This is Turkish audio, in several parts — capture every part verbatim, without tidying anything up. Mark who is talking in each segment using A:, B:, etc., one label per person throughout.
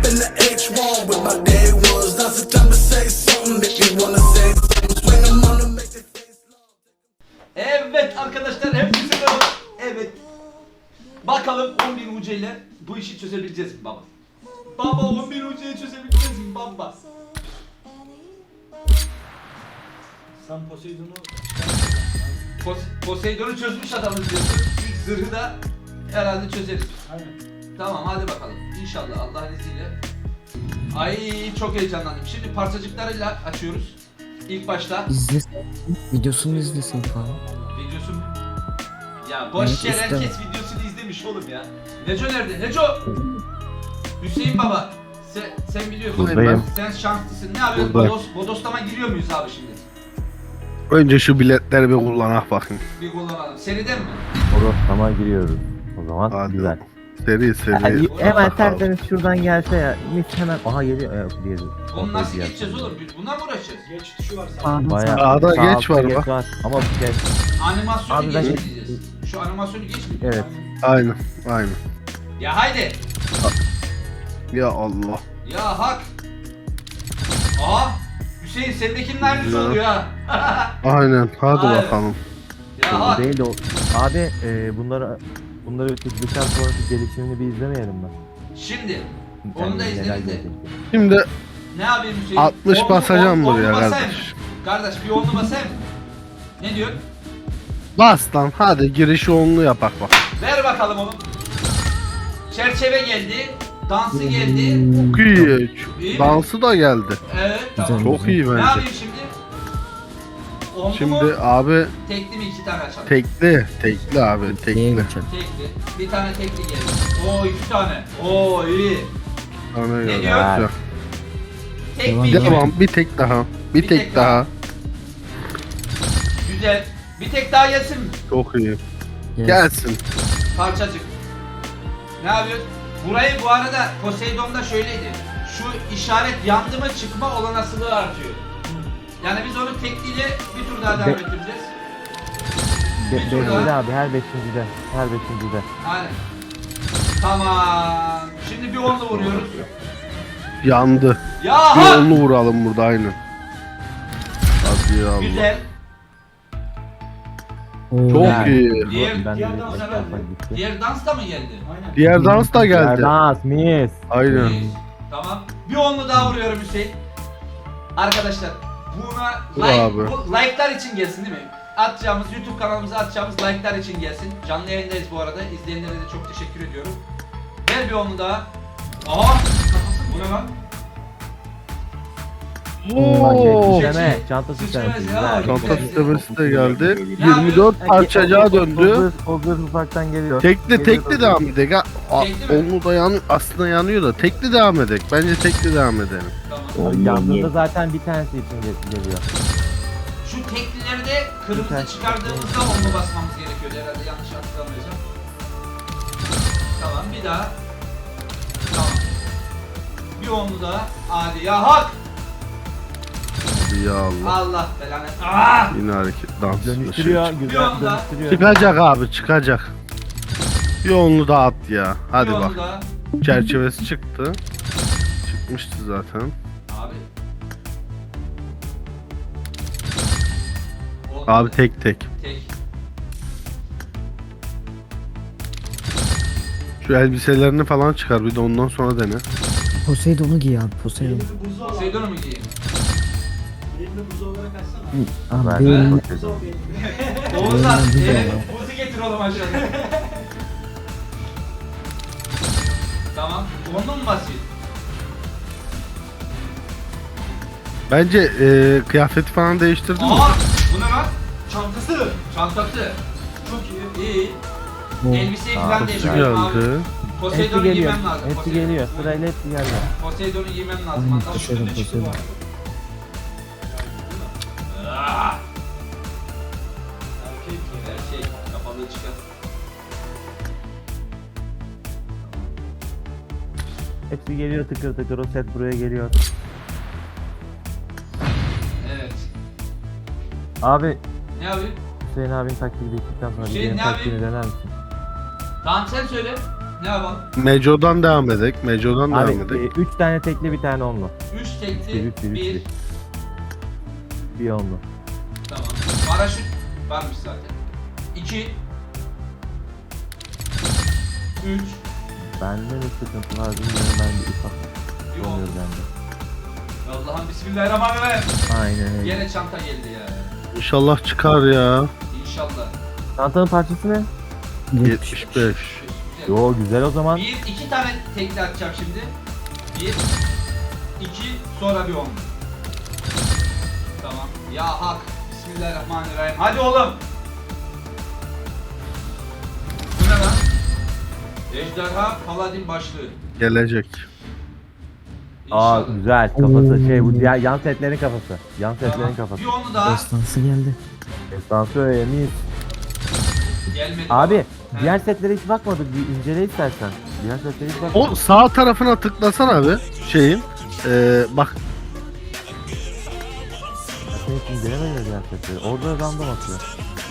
A: in the H one with my day ones. Now's the time to say something. Make me wanna say something. Swing them on and make their face long.
B: Evet arkadaşlar hepsi merhaba. Evet. Bakalım on bin U C ile bu işi çözebileceğiz mi baba? Baba on bin U C'yi çözebileceğiz mi baba?
C: Sen Poseidon'u
B: Pos Poseidon'u çözmüş adamız diyorsun. İlk zırhı da herhalde çözeriz.
C: aynen.
B: Tamam hadi bakalım. İnşallah Allah'ın izniyle. Ay çok heyecanlandım. Şimdi parçacıklarıyla açıyoruz. İlk başta
D: İzlesin. Videosunu izlesin falan.
B: videosu. Ya boş
D: Evet,
B: yer
D: istemem.
B: herkes videosunu izlemiş oğlum ya. Neco nerede? Neco! Hüseyin baba. Sen, sen biliyorsun.
E: Buradayım.
B: Sen şanslısın. Ne yapıyorsun?
E: Burada.
B: Bodos, bodoslama giriyor muyuz abi şimdi?
E: Önce şu biletleri bir kullanak bakayım.
B: Bir kullanalım. Seriden mi?
F: Tamam giriyoruz. O zaman
E: Hadi.
F: güzel.
E: Seri seri.
F: Yani hemen
E: Bakalım.
F: tertemiz şuradan gelse ya. Mis hemen. Aha geliyor. Evet, diğeri.
B: Onu nasıl
F: Diğer-
B: geçeceğiz oğlum? Biz bundan mı uğraşacağız?
C: Geç tuşu var sadece.
F: Bayağı.
E: Sağda
F: Sağ
E: geç
F: altta
E: var bak.
F: Ama bu geç.
B: Animasyonu
F: Abi ben-
B: geçmeyeceğiz. Şu animasyonu geçmeyeceğiz.
F: Evet.
E: Aynen aynen.
B: Ya haydi.
E: Ya Allah.
B: Ya hak. Aa. Hüseyin sendekinin aynısı
E: Ya.
B: oluyor ha.
E: Aynen hadi
B: Aynen.
E: bakalım.
B: Ya
F: Bu
B: hak.
F: değil de o. Abi e, bunları bunları bitirdikten sonraki gelişimini bir izlemeyelim mi?
B: Şimdi. Onu da
F: Kendine
B: izleriz
F: neler
B: de.
F: gelecek.
E: Şimdi
B: Ne yapayım Hüseyin?
E: altmış
B: Onlu-
E: basacağım
B: on-
E: buraya
B: onlu basayım.
E: kardeş.
B: Kardeş bir onlu basayım. Ne diyor?
E: bas lan hadi girişi onlu yapak bak.
B: Ver bakalım onu. Çerçeve geldi. Dansı geldi.
E: Çok iyi.
B: İyi mi?
E: Dansı da geldi.
B: Evet tamam.
E: Çok iyi
B: Ne
E: bence.
B: yapayım şimdi? Onlu mu?
E: Şimdi abi
B: Tekli mi iki tane açalım?
E: tekli. Tekli abi
D: Neye
E: tekli.
D: geçelim?
B: Tekli. Bir tane tekli geldi. Oo iki tane. Oo iyi.
E: Sana
B: Ne
E: göre.
B: diyor?
E: Güzel.
B: Tek
D: Devam,
B: mi?
D: devam.
B: iki mi?
E: Tamam bir tek daha. Bir,
B: Bir
E: tek,
B: tek
E: daha.
B: Güzel. Bir tek daha gelsin mi?
E: Çok iyi.
D: Yes.
E: Gelsin.
B: Parçacık. Ne yapıyoruz? Burayı bu arada Poseidon'da şöyleydi. Şu işaret yandı mı çıkma olanaklığı artıyor. Yani biz onu tekliyle bir tur daha devam
F: Be-
B: ettireceğiz.
F: Be
B: Bir tur
F: beşincide
B: daha.
F: abi her beşincide. Her beşincide.
B: Aynen. Tamam. Şimdi bir onlu vuruyoruz.
E: Yandı.
B: Ya
E: Bir
B: ha!
E: onlu vuralım burada aynen. Hadi ya Allah.
B: Güzel.
D: Oo.
E: Çok
F: Yani.
E: iyi.
B: Diğer,
F: Ben
C: diğer
F: direkt
C: dans
F: başka
C: herhalde.
F: tarafa gitti.
B: diğer dans da mı geldi?
C: Aynen.
E: Diğer dans da geldi.
F: Dans mis.
E: Aynen.
B: İyi. Tamam. Bir onlu daha vuruyorum Hüseyin. Arkadaşlar buna
E: Vur
B: like,
E: abi.
B: bu like'lar için gelsin değil mi? Atacağımız YouTube kanalımıza atacağımız like'lar için gelsin. Canlı yayındayız bu arada. İzleyenlere de çok teşekkür ediyorum. Ver bir onlu daha. Aa! Bu ne lan?
E: Oo.
F: Sisteme, çanta
B: Sisteme,
F: sistemi.
B: ya.
F: Güzel.
E: Çanta sistemesi de geldi.
B: Ne
E: yirmi dört
F: Herkes
E: parçacığa
F: o- o-
E: döndü.
F: O o zırh ufaktan geliyor.
E: Tekli
F: Geliyor
E: tekli
F: o
E: devam
F: zırh.
E: edelim. Ha, a-
B: Tekli mi?
E: Onu da yan, aslında yanıyor da tekli devam edelim. Bence tekli devam edelim.
B: Tamam.
F: Abi Yandığında zaten bir tanesi için gel- geliyor.
B: Şu teklileri de kırmızı
F: Güzel.
B: çıkardığımızda onlu basmamız gerekiyor herhalde yanlış hatırlamıyorsam. Tamam bir daha. Tamam. Bir onlu daha. Hadi ya hak!
E: Hadi ya Allah.
B: Allah belanı. Aa!
E: Yine hareket dans.
F: Dönüştürüyor,
B: Bir
F: güzel
B: anda.
F: dönüştürüyor.
E: Çıkacak abi çıkacak. Bir onlu daha at ya. Hadi
B: Bir
E: bak.
B: onlu daha.
E: Çerçevesi çıktı. Çıkmıştı zaten.
B: Abi. Olmadı.
E: Abi tek tek.
B: Tek.
E: Şu elbiselerini falan çıkar bir de ondan sonra dene.
D: Poseidon'u giy abi Poseidon.
C: Elini buzu al.
B: Poseidon'u mu giyeyim?
C: Elini buzu olarak açsana.
D: Abi
F: Ben
D: benim
F: de
C: Buzu al
F: bakıyorum.
C: elini.
B: Oğuzhan,
D: Benim de
B: evet,
D: var.
B: buzu getir oğlum aşağıya. Tamam. Onlu mu basayım?
E: Bence e, kıyafeti falan değiştirdin mi?
B: Aa! Bu ne lan? Çantası. Çantası. Çok iyi. İyi.
D: Oo.
B: Elbiseyi
F: Aa,
B: falan
F: çok
B: değiştirdim abi.
E: Geldi.
F: Hepsi
B: Poseidon'u
F: geliyor.
B: giymem lazım.
F: Hepsi
B: Poseidon.
F: geliyor. Sırayla hepsi geliyor.
B: Poseidon'u giymem lazım.
D: Aynen,
B: Hatta
D: Poseidon,
B: üstünde çıktı bu
D: Poseidon.
B: arada. Ah!
C: Erkek.
B: Her şey kapalı çıkar.
F: Hepsi geliyor tıkır tıkır. O set buraya geliyor.
B: Evet.
F: Abi
B: Ne abi?
F: Hüseyin abinin taktiği bittikten sonra
B: Hüseyin
F: benim
B: ne
F: taktiğini dener misin?
B: Tamam sen söyle. Ne yapalım?
E: Meco'dan devam edek. Meco'dan
F: Abi
E: devam edek.
F: 3 tane tekli bir tane onlu.
B: üç tekli,
F: Bir, bir, bir,
B: bir.
F: bir. Bir onlu.
B: Tamam. Paraşüt varmış zaten. iki. üç.
F: Bende ne sıkıntı var bilmiyorum, ben bir ufak
B: Bir on.
F: oluyor bende.
B: Allah'ım bismillahirrahmanirrahim.
F: Aynen öyle.
B: Yine çanta geldi ya.
E: İnşallah çıkar ya.
B: İnşallah.
F: Çantanın parçası ne?
E: yetmiş beş.
B: Güzel.
F: Yo güzel o zaman.
B: Bir, iki tane tekli atacağım şimdi. Bir, iki, sonra bir on. Tamam. Ya hak. Bismillahirrahmanirrahim. Hadi oğlum. Bu ne lan? Ejderha Paladin başlığı.
E: Gelecek.
F: Aa
B: İnşallah.
F: güzel kafası şey bu
D: Oo.
F: diğer yan setlerin kafası. Yan setlerin
B: Tamam.
F: kafası.
B: Bir onu daha.
D: Destansı geldi.
F: Estansı öyle mis.
B: Gelmedi.
F: Abi
B: He.
F: diğer setlere hiç bakmadık, bir incele istersen. Diğer setlere hiç bakmadık.
E: O sağ tarafına tıklasana abi. Şeyin. Ee, bak
F: Sen hiç incelemedin diğer setleri. Orada random atıyor.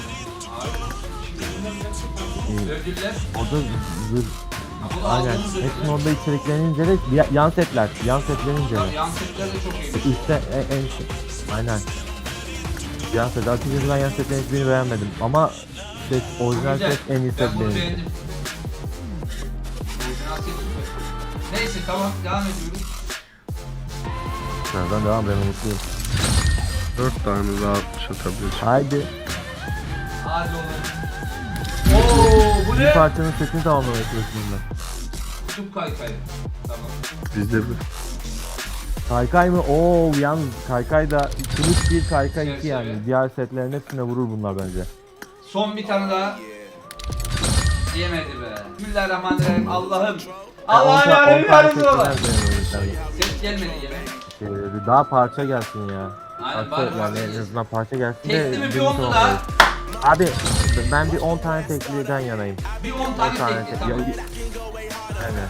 F: Ee,
B: Ödüller.
F: orada zır.
B: Ha, bu da
F: Aynen.
B: aldığımız ödüller.
F: Hepsinin orada içeriklerini incele. Ya- Yan setler. Yan setlerini incele.
B: Tamam, yan setler de çok iyiymiş.
F: Üstte en, en aynen. Yan set. Açıkçası ben yan setlerin hiçbirini beğenmedim. Ama set, orijinal
B: Güzel.
F: set en iyi set
B: Ben bunu
F: benim.
B: beğendim. Orijinal set süper. Neyse tamam devam ediyoruz.
F: Sıradan devam, ben mutluyum.
E: dört tane daha atabilirsin.
F: Haydi.
B: Hadi oğlum. Oo bu
F: Bir
B: ne?
F: parçanın setini tamamlamaya çalışıyorum ben.
B: Kutup kaykayı. Tamam.
E: Bizde bir.
F: Kaykay mı? Oo yalnız kaykay da kılıç bir kaykay iki
B: Çerçeve.
F: yani. Diğer setlerin hepsine vurur bunlar bence.
B: Son bir tane daha. Yemedi be. Bismillahirrahmanirrahim. Allah'ım. Allah'ım yarabbim yardımcı ola. Ses gelmedi yine.
F: Ee, daha parça gelsin ya.
B: Aynen
F: Parça,
B: bari
F: yani
B: parça
F: en
B: gelsin.
F: azından parça gelsin
B: Tekli mi bir
F: birinci
B: onlu
F: tamam
B: daha?
F: olur. Abi ben bir on tane tekliden yanayım.
B: Bir on
F: on
B: tane
F: tane
B: tekli
F: tekli.
B: tamam.
F: Yani.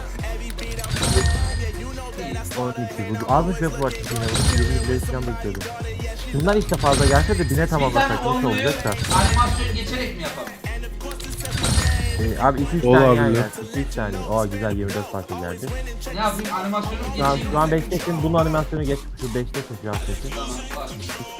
F: on iki bu azmış ve bu açık yine bu yirmi bir falan bekliyordum. Şunlar işte fazla gelse de bine
B: Bir tane
F: tamamlasak nasıl
B: onluyu
F: olacak da.
B: animasyon geçerek mi yapalım?
F: Ee, abi iki üç
E: Olabilir.
F: tane yani. iki üç tane. Oo güzel yirmi dört parça geldi.
B: Ne yapayım animasyonu
F: Şu an,
B: geçeyim.
F: şu an beştesin, bunun animasyonu geç. Şu beştesin şu an sesin.
B: Tamam var.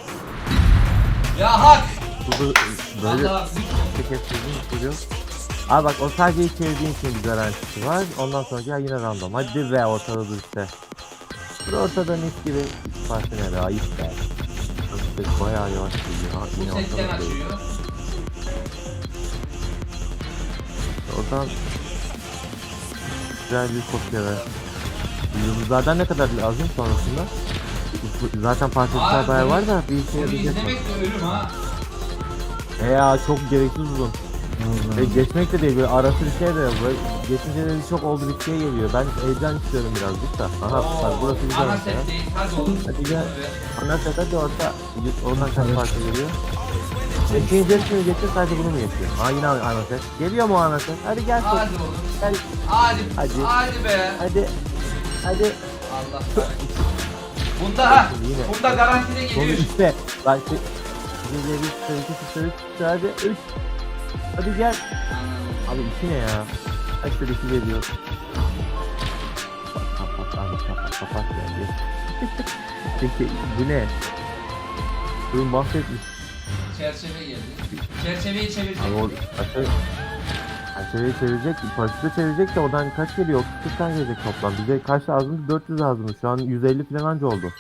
B: Ya hak.
F: Burada böyle
B: Allah lütfen.
F: kestirdiğin istiyor. Abi bak o sadece ilk çevirdiğin için bir garantisi var. Ondan sonra ya yine random. Hadi be ortada dur işte. Dur ortada mis gibi parça ne be ayıp be. İşte bayağı yavaş gidiyor. Ha,
B: Bu
F: yine
B: setten
F: ortada dur.
B: açıyor.
F: Oradan güzel bir kopya ver. Yıldızlardan ne kadar lazım sonrasında? Zaten parçacıklar
B: Abi,
F: bayağı var da bir işe
B: Bunu
F: yarayacak mı?
B: izlemek de ölüm ha.
F: E ya çok gereksiz uzun. Ve geçmek de değil böyle arası bir şey de yok. Böyle geçince de çok oldu bir şey geliyor. Ben heyecan istiyorum birazcık da. Aha bak burası güzel
B: Ana
F: mesela.
B: set değil. Hadi oğlum.
F: Hadi gel.
B: Ve
F: Ana sete de orta oradan kaç parça geliyor. İkinci hepsini geçiyor sadece bunu mu yapıyor? Ha yine ana set. Geliyor mu ana set? Hadi gel.
B: Hadi oğlum.
F: Gel.
B: Hadi.
F: Hadi.
B: Hadi be.
F: Hadi. Hadi.
B: Allah kahretsin. Bunda ha.
F: Yine.
B: Bunda garantide
F: Sonu
B: geliyor.
F: üstte. Bak şu. Bir, bir, bir, iki, üç, üç, hadi üç. Hadi gel. Abi iki ne ya? Kaç bir iki geliyor. Kapat abi kapat kapat geldi. Peki bu ne? Ürün bahsetmiş.
B: Çerçeve geldi. Çerçeveyi çevirecek.
F: Abi o aşağı Çerçeveyi çevirecek, parçası çevirecek de oradan kaç geliyor? otuz kırk tane gelecek toplam. Bize kaç lazım? dört yüz lazım. Şu an yüz elli falan anca oldu.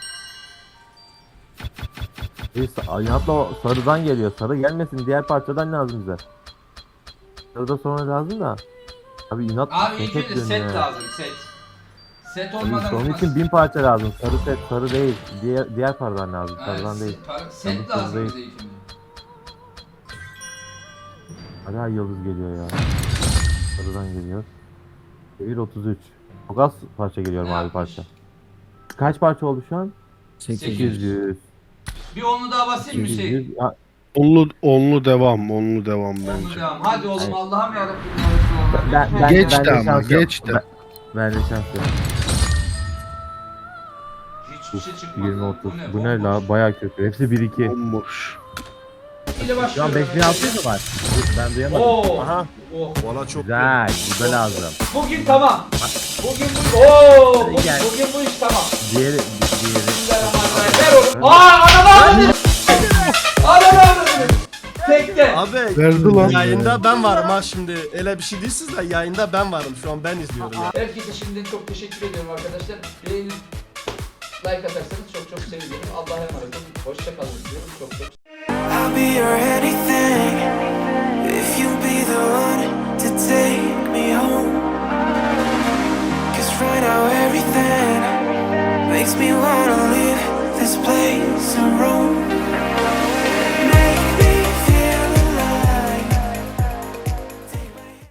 F: Hatta o sarıdan geliyor. Sarı gelmesin. Diğer parçadan lazım bize. Sarı da sonra lazım da. Abi inat.
B: Abi
F: ne
B: ilk önce
F: diyorsun
B: set
F: ya?
B: lazım set. Set
F: Abi
B: olmadan
F: işte onun
B: olmaz.
F: için bin parça lazım. Sarı set, sarı değil. Diğer diğer paradan lazım.
B: Ha,
F: Sarıdan
B: set-
F: değil.
B: par-
F: Sarı
B: Set lazım
F: değil.
B: bize ilk önce.
F: Hala yıldız geliyor ya. Sarıdan geliyor. bir otuz üç. Çok az parça geliyor
B: Ne
F: mavi
B: yapmış?
F: parça. Kaç parça oldu şu an?
B: Sekiz
D: sekiz
B: yüz.
F: sekiz yüz.
B: Bir onu daha basayım mı
F: sekiz
B: şey?
F: yüz. Ya,
E: Onlu, onlu devam. Onlu devam
B: Onu
E: bence.
B: devam. Hadi oğlum
F: Hayır.
B: Allah'ım yarabbim.
F: Ben, ben,
E: Geçti
F: ben de
E: ama,
F: şans yok.
E: geçti.
F: Ben, ben de şans yok.
B: Hiçbir şey çıkmadı.
F: yirmi otuz. Bu ne
B: bomboş.
F: la? Baya kötü. Hepsi bir iki.
E: Bomboş.
B: tekliyle
F: Şu an
B: başlıyorum.
F: beş bin altı yüz mü var? Ben duyamadım.
B: Oo.
F: Aha.
B: Oh.
G: Valla çok
F: Güzel. Bu da lazım.
B: Bugün tamam. Bugün bu Oo, bu,
F: Gel.
B: bugün bu iş tamam.
F: Diğeri, diğeri.
B: Bismillahirrahmanirrahim. Ver onu. Aa ananı avradını. Ananı avradını. Tekte.
G: Abi
E: Verdi lan.
G: yayında ben varım ha şimdi. Öyle bir şey değilsiz de yayında ben varım. Şu an ben izliyorum. Ya.
B: Herkese şimdiden çok teşekkür ediyorum arkadaşlar. Beğenip like atarsanız çok çok sevinirim. Allah'a emanet olun. Hoşça kalın diyorum. Çok çok
A: I'll be your anything if you be the one to take me home. Cause right now everything makes me wanna leave this place and roam.